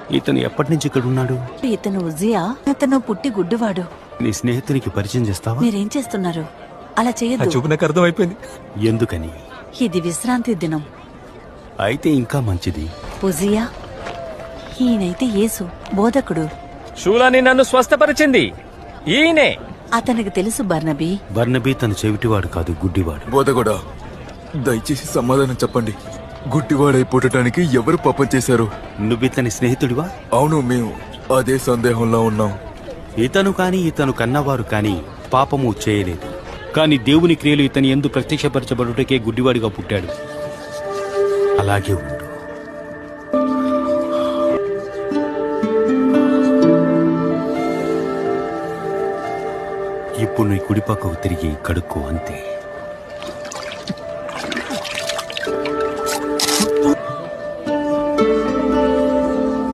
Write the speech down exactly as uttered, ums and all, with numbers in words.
ఇతను ఎప్పటి నుంచి ఇక్కడ ఉన్నాడు? ఇతను ఉజియా. అతను పుట్టి గుడ్డివాడు. నీ స్నేహితునికి పరిచయం చేస్తావా? మీరేం చేస్తున్నారు? అలా చేయొద్దు. చూపు నాకు అర్థం అయిపోయింది. ఎందుకని? ఇది విశ్రాంతి దినం. అయితే ఇంకా మంచిది. ఉజియా, ఈయనైతే యేసు బోధకుడు. షూలాని నన్ను స్వస్థపరిచింది ఈయనే. అతనికి తెలుసు బర్నబీ. బర్నబీ తన చెవిటివాడు కాదు, గుడ్డివాడు. బోధగొడా, దయచేసి సమాధానం చెప్పండి. గుడ్డివాడై పుట్టడానికి ఎవరు పాపం చేశారు? నువ్వితని స్నేహితుడివా? అవును, మేము అదే సందేహంలో ఉన్నాం. ఇతను కాని ఇతను కన్నవారు కాని పాపము చేయలేదు. కాని దేవుని క్రియలు ఇతని యందు ప్రత్యక్షపరచబడుటకే గుడ్డివాడిగా పుట్టాడు. అలాగే ఉండు. ఇప్పుడు నీ కుడిపక్కకు తిరిగి కడుక్కో, అంతే.